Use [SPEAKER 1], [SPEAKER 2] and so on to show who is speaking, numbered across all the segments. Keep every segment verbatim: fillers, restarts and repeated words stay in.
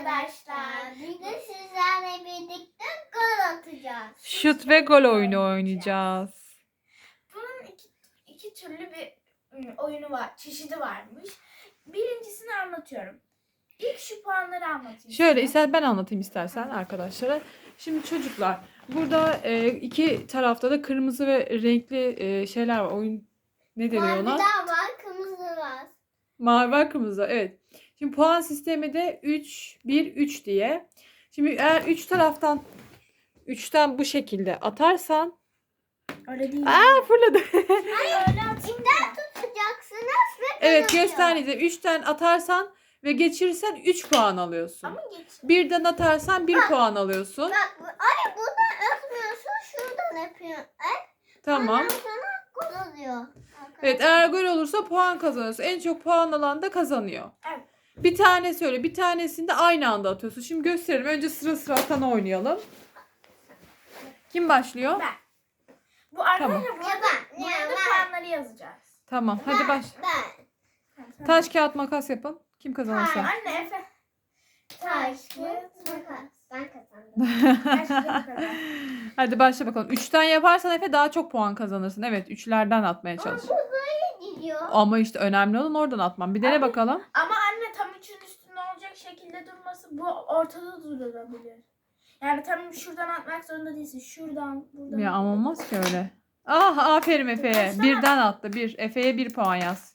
[SPEAKER 1] arkadaşlar. Bugün sizlerle birlikte gol atacağız.
[SPEAKER 2] Şut ve gol oyunu oynayacağız.
[SPEAKER 3] Bunun iki, iki türlü bir oyunu var, çeşidi varmış. Birincisini anlatıyorum. İlk şu puanları anlatayım.
[SPEAKER 2] Şöyle
[SPEAKER 3] size.
[SPEAKER 2] ister ben anlatayım istersen arkadaşlara. Şimdi çocuklar burada e, iki tarafta da kırmızı ve renkli e, şeyler var. Oyun ne deniyor
[SPEAKER 1] Mavi
[SPEAKER 2] ona?
[SPEAKER 1] daha var, kırmızı var.
[SPEAKER 2] Mavi var, kırmızı. Evet. Şimdi puan sistemi de üç bir üç diye. Şimdi eğer üç taraftan üçten bu şekilde atarsan
[SPEAKER 3] Öyle değil.
[SPEAKER 2] aa fırladı.
[SPEAKER 3] Öyle atayım.
[SPEAKER 1] İmden tutacaksınız ve
[SPEAKER 2] Evet
[SPEAKER 1] kazanıyor.
[SPEAKER 2] göstereceğim. üçten atarsan ve geçirirsen üç puan alıyorsun.
[SPEAKER 3] Ama geç.
[SPEAKER 2] birden atarsan bir puan alıyorsun.
[SPEAKER 1] Bak, ay buradan atmıyorsun, şuradan yapıyorsun. Ay,
[SPEAKER 2] Tamam.
[SPEAKER 1] ondan sonra gol oluyor.
[SPEAKER 2] Evet eğer gol olursa puan kazanıyorsun. En çok puan alan da kazanıyor.
[SPEAKER 3] Evet.
[SPEAKER 2] Bir tane söyle. Bir tanesini de aynı anda atıyorsun. Şimdi gösterelim. Önce sıra sıra atan oynayalım. Kim başlıyor?
[SPEAKER 3] Ben. Bu arkadaşlar
[SPEAKER 1] Ya
[SPEAKER 3] burada,
[SPEAKER 1] ben, ya
[SPEAKER 3] buraya da
[SPEAKER 1] ben.
[SPEAKER 3] puanları yazacağız.
[SPEAKER 2] Tamam. Hadi baş.
[SPEAKER 1] Ben.
[SPEAKER 2] Taş kağıt makas yapın. Kim kazanırsa.
[SPEAKER 3] Anne Efe.
[SPEAKER 1] Taş, kağıt, makas. Ben kazandım.
[SPEAKER 3] Başlayalım kadar.
[SPEAKER 2] Hadi başla bakalım. Üçten yaparsan Efe daha çok puan kazanırsın. Evet üçlerden atmaya çalış.
[SPEAKER 1] Bu böyle gidiyor.
[SPEAKER 2] Ama işte önemli olan oradan atman. Bir dene
[SPEAKER 3] Abi,
[SPEAKER 2] bakalım.
[SPEAKER 3] Ama anne tam üçün üstünde olacak şekilde durması bu ortada durabilir. Yani tam şuradan atmak zorunda değilsin. Şuradan, buradan.
[SPEAKER 2] Ya ama olmaz ki öyle. Ah aferin Efe'ye.
[SPEAKER 3] Baksana.
[SPEAKER 2] Birden attı. Bir. Efe'ye bir puan yaz.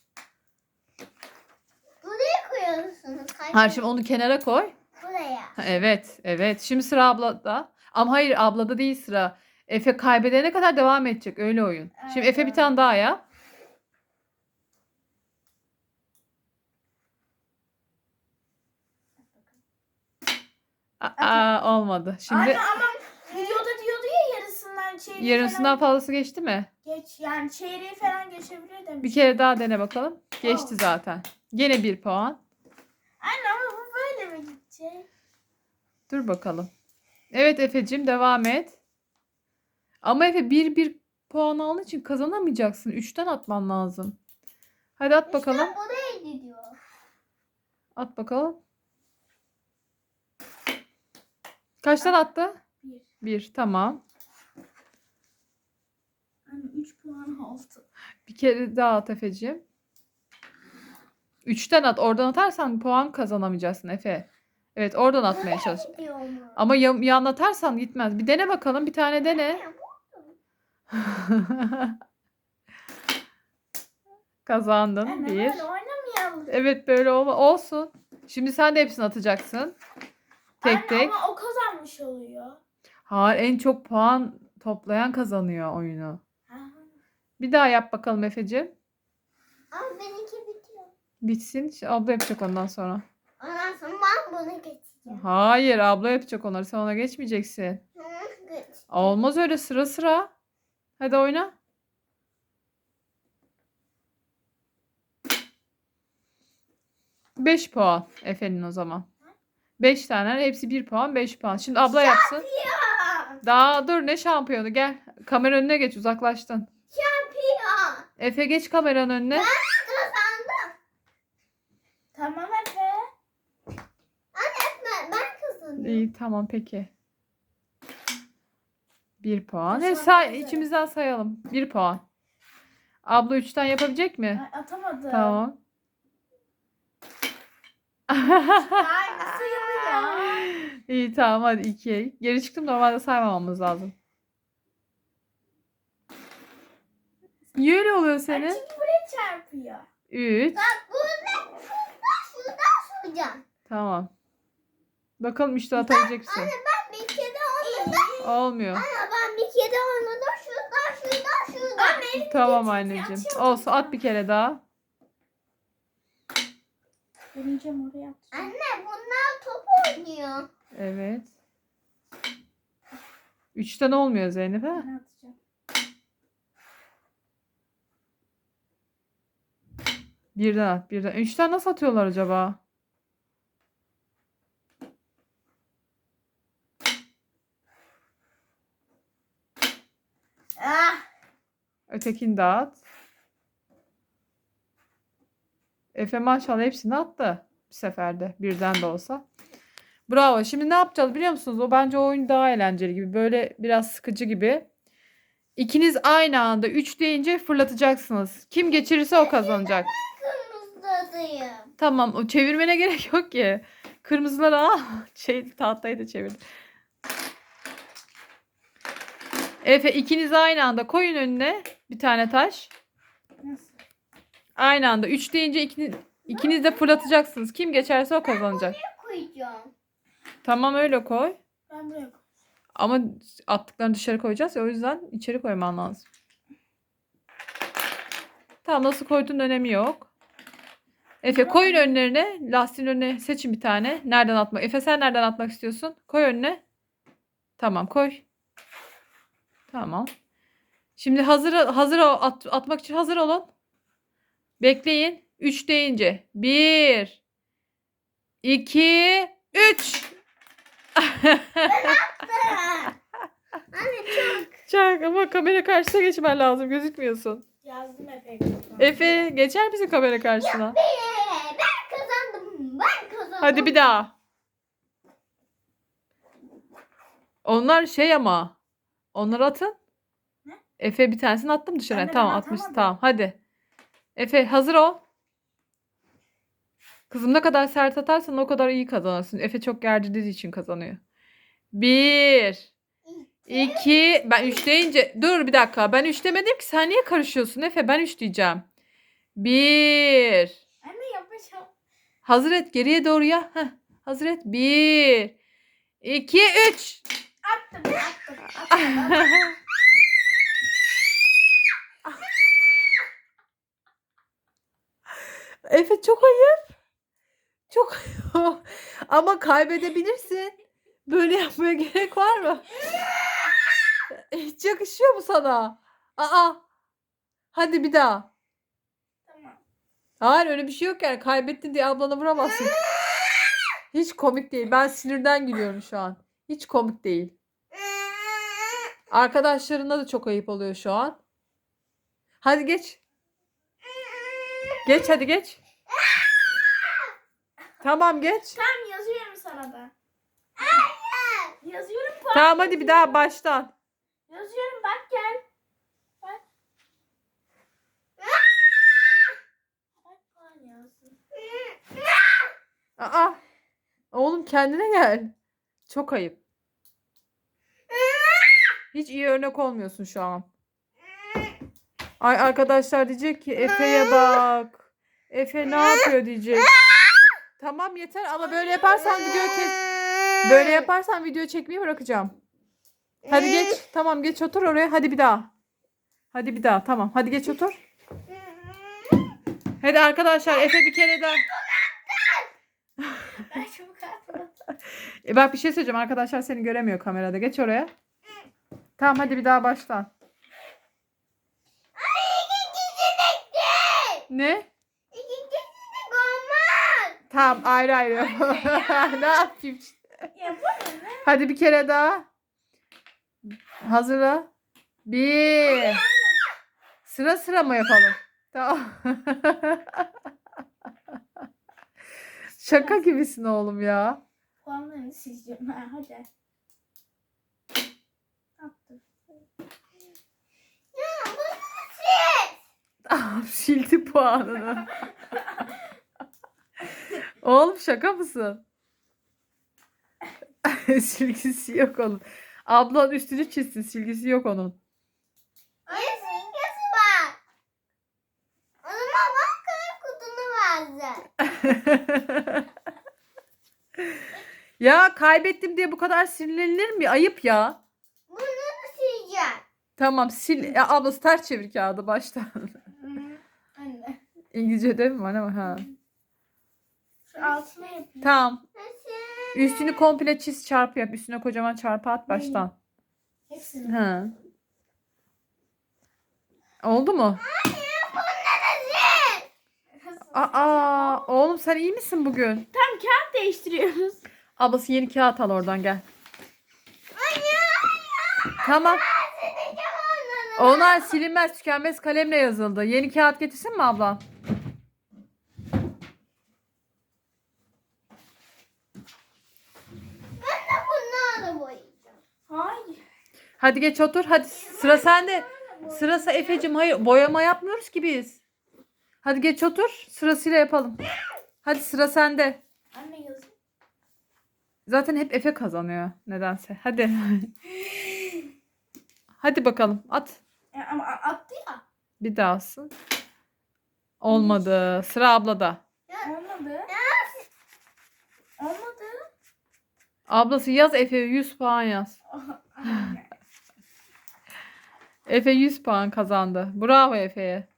[SPEAKER 1] Buraya koyuyorsunuz.
[SPEAKER 2] Ha şimdi onu kenara koy.
[SPEAKER 1] Buraya.
[SPEAKER 2] Ha, evet, evet. Şimdi sıra ablada. Ama hayır ablada değil sıra. Efe kaybedene kadar devam edecek. Öyle oyun. Şimdi
[SPEAKER 3] Evet,
[SPEAKER 2] Efe bir
[SPEAKER 3] evet.
[SPEAKER 2] tane daha yap. Aa, olmadı. Şimdi
[SPEAKER 3] Anne ama videoda diyordu ya yarısından çeyreği
[SPEAKER 2] yarısından
[SPEAKER 3] falan
[SPEAKER 2] fazlası geçti mi?
[SPEAKER 3] geç. Yani çeyreği falan geçebilir demiş.
[SPEAKER 2] Bir kere daha dene bakalım. Geçti
[SPEAKER 3] Oh.
[SPEAKER 2] zaten. Gene bir puan.
[SPEAKER 3] Anne ama bu böyle mi gidecek?
[SPEAKER 2] Dur bakalım. Evet Efe'cim devam et. Ama Efe bir bir puan aldığın için kazanamayacaksın. Üçten atman lazım. Hadi at bakalım.
[SPEAKER 1] İşte buraya gidiyor.
[SPEAKER 2] At bakalım. Kaçtan attı?
[SPEAKER 3] Bir.
[SPEAKER 2] Bir. Tamam.
[SPEAKER 3] Anne üç puan oldu.
[SPEAKER 2] Bir kere daha at Efe'cim. Üçten at. Oradan atarsan puan kazanamayacaksın Efe. Evet oradan atmaya çalış.
[SPEAKER 1] Gidiyor mu?
[SPEAKER 2] Ama yan, yan atarsan gitmez. Bir dene bakalım. Bir tane dene. Kazandın.
[SPEAKER 3] Anne
[SPEAKER 2] Bir.
[SPEAKER 3] böyle oynamayalım.
[SPEAKER 2] Evet böyle olma. Olsun. Şimdi sen de hepsini atacaksın. Tek
[SPEAKER 3] Anne
[SPEAKER 2] tek.
[SPEAKER 3] ama o kazanmış oluyor.
[SPEAKER 2] Hayır en çok puan toplayan kazanıyor oyunu.
[SPEAKER 3] Ha.
[SPEAKER 2] Bir daha yap bakalım Efe'cim.
[SPEAKER 1] Ama benimki bitiyor.
[SPEAKER 2] Bitsin. Şimdi abla yapacak ondan sonra.
[SPEAKER 1] Ondan sonra ben bunu geçeceğim.
[SPEAKER 2] Hayır abla yapacak onları. Sen ona geçmeyeceksin.
[SPEAKER 1] Hı, geç.
[SPEAKER 2] Olmaz öyle sıra sıra. Hadi oyna. Beş puan Efe'nin o zaman. Beş tane. Hepsi bir puan. Beş puan. Şimdi abla yapsın.
[SPEAKER 1] Şampiyon.
[SPEAKER 2] Daha dur ne şampiyonu gel. Kamera önüne geç uzaklaştın.
[SPEAKER 1] Şampiyon.
[SPEAKER 2] Efe geç kameranın önüne.
[SPEAKER 1] Kazandım.
[SPEAKER 3] Tamam Efe.
[SPEAKER 1] Ben, ben kazandım.
[SPEAKER 2] İyi tamam peki. Bir puan.
[SPEAKER 3] Teşekkür
[SPEAKER 2] Hadi say,
[SPEAKER 3] ederim.
[SPEAKER 2] içimizden sayalım. Bir puan. Abla üçten yapabilecek mi?
[SPEAKER 3] Ay, atamadım.
[SPEAKER 2] Tamam.
[SPEAKER 3] Aynı sayılıyor.
[SPEAKER 2] İyi tamam hadi iki. Geri çıktım normalde saymamamız lazım. Niye öyle oluyor
[SPEAKER 3] Ay,
[SPEAKER 2] senin?
[SPEAKER 3] çünkü buraya çarpıyor.
[SPEAKER 2] Üç.
[SPEAKER 1] Bak burada şuradan şuradan şuradan.
[SPEAKER 2] Tamam. Bakalım işte atabilecek misin?
[SPEAKER 1] Ben bir kere oynadım.
[SPEAKER 2] Olmuyor.
[SPEAKER 1] Ama ben bir kere oynadım. Şuradan şuradan şuradan.
[SPEAKER 3] Anne
[SPEAKER 2] Tamam anneciğim. Olsun at bir kere daha.
[SPEAKER 3] deneyeceğim oraya atacağım.
[SPEAKER 1] Anne bunlar top oynuyor.
[SPEAKER 2] Evet. Üçten olmuyor Zeynep ha?
[SPEAKER 3] Ben atacağım.
[SPEAKER 2] Birden at birden. Üçten nasıl atıyorlar acaba?
[SPEAKER 3] Ah.
[SPEAKER 2] Ötekini de at. Efe maşallah hepsini attı. Bir seferde. Birden de olsa. Bravo. Şimdi ne yapacağız biliyor musunuz? O bence o oyun daha eğlenceli gibi. Böyle biraz sıkıcı gibi. İkiniz aynı anda üç deyince fırlatacaksınız. Kim geçirirse o kazanacak.
[SPEAKER 1] Kırmızıdayım.
[SPEAKER 2] Tamam, o çevirmene gerek yok ki. Kırmızıları al. Şey, tahtayı da çevir. Efe, ikiniz aynı anda koyun önüne bir tane taş.
[SPEAKER 3] Nasıl?
[SPEAKER 2] Aynı anda üç deyince ikiniz, ikiniz de fırlatacaksınız. Kim geçerse o kazanacak.
[SPEAKER 1] Ne koyacağım?
[SPEAKER 2] Tamam, öyle koy.
[SPEAKER 3] Ben buraya koy.
[SPEAKER 2] Ama attıklarını dışarı koyacağız ya, o yüzden içeri koyman lazım. Tamam, nasıl koyduğun önemi yok. Efe, koyun önlerine. Lastiğin önüne seçin bir tane. Nereden atmak? Efe, sen nereden atmak istiyorsun? Koy önüne. Tamam, koy. Tamam. Şimdi hazır hazır ol- at, atmak için hazır olun. Bekleyin. üç deyince. bir iki üç.
[SPEAKER 1] Anne çok.
[SPEAKER 2] Çak, ama kamera karşısına geçmen lazım. Gözükmüyorsun.
[SPEAKER 3] Yazdım Efe.
[SPEAKER 2] Efe, geçer misin kamera karşısına?
[SPEAKER 1] Be, ben kazandım. Ben kazandım.
[SPEAKER 2] Hadi bir daha. Onlar şey ama. Onları atın.
[SPEAKER 3] Ne?
[SPEAKER 2] Efe, bir tanesini attım dışarı.
[SPEAKER 3] Ben de
[SPEAKER 2] Tamam,
[SPEAKER 3] ben
[SPEAKER 2] atmışsın.
[SPEAKER 3] atamadım.
[SPEAKER 2] Tamam, hadi. Efe, hazır ol. Kızım, ne kadar sert atarsan o kadar iyi kazanırsın. Efe çok gerdirdiği için kazanıyor. Bir. iki. Ben üç deyince. Dur bir dakika. Ben üç demedim ki. Sen niye karışıyorsun Efe? Ben üç diyeceğim. Bir.
[SPEAKER 3] Anne yapacağım.
[SPEAKER 2] Hazır et. Geriye doğru ya. Heh. Hazır et. Bir. iki, üç.
[SPEAKER 3] Attım attım. attım.
[SPEAKER 2] Efe, çok ayıp. Çok ayıp. Ama kaybedebilirsin. Böyle yapmaya gerek var mı? Hiç yakışıyor mu sana? Aa. Hadi bir daha.
[SPEAKER 3] Tamam.
[SPEAKER 2] Hayır, öyle bir şey yok yani. Kaybettin diye ablana vuramazsın. Hiç komik değil. Ben sinirden gülüyorum şu an. Hiç komik değil. Arkadaşlarına da çok ayıp oluyor şu an. Hadi geç. Geç, hadi geç. Tamam, geç.
[SPEAKER 3] Tamam yazıyorum sana da. Yazıyorum puan.
[SPEAKER 2] Tamam, hadi bir daha baştan.
[SPEAKER 3] Yazıyorum bak gel. Bak. Bak puan yazdım.
[SPEAKER 2] Aa. Oğlum, kendine gel. Çok ayıp. Hiç iyi örnek olmuyorsun şu an. Ay, arkadaşlar diyecek ki Efe'ye bak. Efe ne yapıyor diyecek. Tamam, yeter ama böyle yaparsan video kes. Böyle yaparsan video çekmeyi bırakacağım. Hadi geç. Tamam, geç otur oraya. Hadi bir daha. Hadi bir daha. Tamam. Hadi geç otur. Hadi arkadaşlar, Efe bir kere daha.
[SPEAKER 3] Ben çabuk attım.
[SPEAKER 2] E bak, bir şey söyleyeceğim. Arkadaşlar seni göremiyor kamerada. Geç oraya. Tamam, hadi bir daha baştan. Ne? Tamam, ayrı ayrı. Ne yapayım?
[SPEAKER 3] Ya bu ne?
[SPEAKER 2] Hadi bir kere daha. Hazırla. Bir. Sıra sıra mı yapalım? Tamam. Şaka gibisin oğlum ya.
[SPEAKER 3] Puanlarını sileceğim. Ha, hadi. Attım.
[SPEAKER 2] Tamam, sildi puanını. Oğlum, şaka mısın? Silgisi yok onun. Ablan üstünü çizsin. Silgisi yok onun.
[SPEAKER 1] Ne simgesi var? O zaman bana kalem kutunu versin.
[SPEAKER 2] Ya, kaybettim diye bu kadar sinirlenilir mi? Ayıp ya.
[SPEAKER 1] Bunu da sileceğim.
[SPEAKER 2] Tamam, sil. Ya, ablası ters çevir kağıdı baştan.
[SPEAKER 3] Hı, Anne.
[SPEAKER 2] İngilizce'de mi var ama ha.
[SPEAKER 3] Şu altına yapayım.
[SPEAKER 2] Tamam.
[SPEAKER 1] Nasıl?
[SPEAKER 2] Üstünü komple çiz, çarpı yap. Üstüne kocaman çarpı at baştan.
[SPEAKER 3] Hepsini.
[SPEAKER 2] Ha. Oldu mu? Aa, oğlum sen iyi misin bugün?
[SPEAKER 3] Tam kağıt değiştiriyoruz.
[SPEAKER 2] Ablası yeni kağıt al oradan, gel. Tamam. Onlar silinmez, tükenmez kalemle yazıldı. Yeni kağıt getirsin mi abla? Hadi geç otur. Hadi sıra sende. Sırası Efe'cim. Hayır, boyama yapmıyoruz ki biz. Hadi geç otur. Sırasıyla yapalım. Hadi sıra sende.
[SPEAKER 3] Anne yazın.
[SPEAKER 2] Zaten hep Efe kazanıyor nedense. Hadi. Hadi bakalım. At.
[SPEAKER 3] E, ama a- attı ya.
[SPEAKER 2] Bir daha alsın. Olmadı. Sıra ablada.
[SPEAKER 3] Olmadı. Olmadı.
[SPEAKER 2] Ablası yaz Efe yüz puan yaz.
[SPEAKER 3] Anne.
[SPEAKER 2] Efe yüz puan kazandı. Bravo Efe'ye.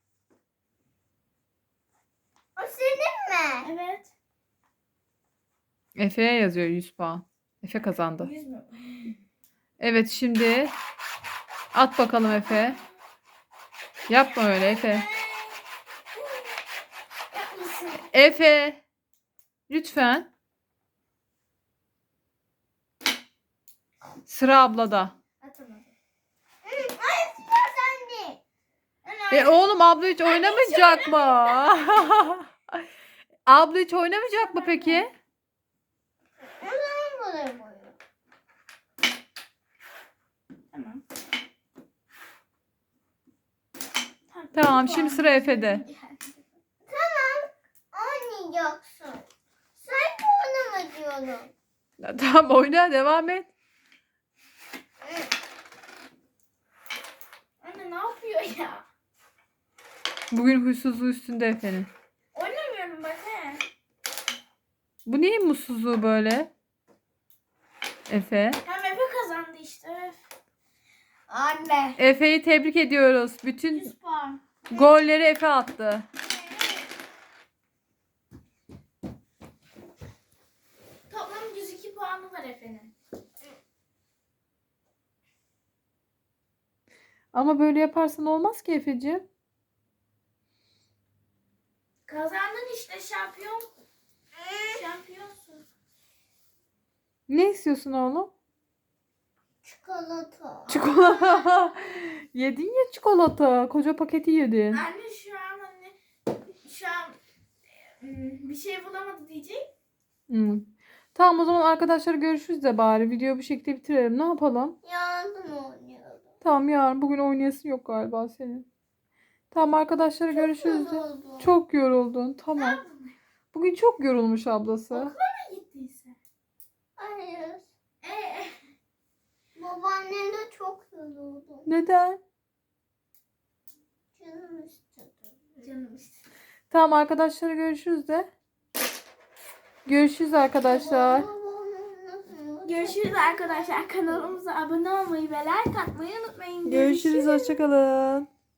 [SPEAKER 1] O senin mi?
[SPEAKER 3] Evet.
[SPEAKER 2] Efe'ye yazıyor yüz puan. Efe kazandı.
[SPEAKER 3] Yüz mü?
[SPEAKER 2] Evet şimdi at bakalım Efe. Yapma öyle Efe.
[SPEAKER 3] Yapmasın.
[SPEAKER 2] Efe. Lütfen. Sıra ablada.
[SPEAKER 3] Atamadım.
[SPEAKER 1] Ay sıra sende.
[SPEAKER 2] E oğlum abla hiç oynamayacak mı? Abla hiç oynamayacak mı peki?
[SPEAKER 1] O zaman buraya koyuyorum.
[SPEAKER 3] Tamam.
[SPEAKER 2] Tamam, şimdi sıra Efe'de.
[SPEAKER 1] Tamam. Oynayacaksın. Sen de oynama diyorum.
[SPEAKER 2] Ya tamam oyna devam et.
[SPEAKER 3] Anne ne yapıyor ya?
[SPEAKER 2] Bugün huysuzluğu üstünde Efe'nin.
[SPEAKER 3] Oynamıyorum bak he.
[SPEAKER 2] Bu neyin mutsuzluğu böyle? Efe.
[SPEAKER 3] Hem Efe kazandı işte. Anne.
[SPEAKER 2] Efe'yi tebrik ediyoruz. Bütün
[SPEAKER 3] yüz puan.
[SPEAKER 2] golleri Efe attı.
[SPEAKER 3] Toplam yüz iki puanı var Efe'nin.
[SPEAKER 2] Ama böyle yaparsan olmaz ki Efe'ciğim.
[SPEAKER 3] Kazandın işte şampiyon. Şampiyonsun.
[SPEAKER 2] Ne istiyorsun oğlum?
[SPEAKER 1] Çikolata.
[SPEAKER 2] Çikolata. Yedin ya çikolata. Koca paketi yedin.
[SPEAKER 3] Anne şu an anne şu an ım, bir şey bulamadı diyecek.
[SPEAKER 2] Hmm. Tamam o zaman arkadaşlar görüşürüz de bari. Videoyu bu şekilde bitirelim. Ne yapalım?
[SPEAKER 1] Yardım oynuyorum.
[SPEAKER 2] Tamam yarın. Bugün oynayasın yok galiba senin. Tamam arkadaşlar görüşürüz de.
[SPEAKER 1] Yoruldum.
[SPEAKER 2] Çok yoruldun. Tamam. Bugün çok yorulmuş ablası.
[SPEAKER 3] Okula mı gittiyse?
[SPEAKER 1] Hayır.
[SPEAKER 3] Ee,
[SPEAKER 1] Babaannemle çok yoruldum.
[SPEAKER 2] Neden?
[SPEAKER 1] Canım istedi.
[SPEAKER 3] canım işte.
[SPEAKER 2] Tamam arkadaşlar görüşürüz de. Görüşürüz arkadaşlar.
[SPEAKER 3] Görüşürüz arkadaşlar. Kanalımıza abone olmayı ve like atmayı unutmayın.
[SPEAKER 2] Görüşürüz. Hoşçakalın.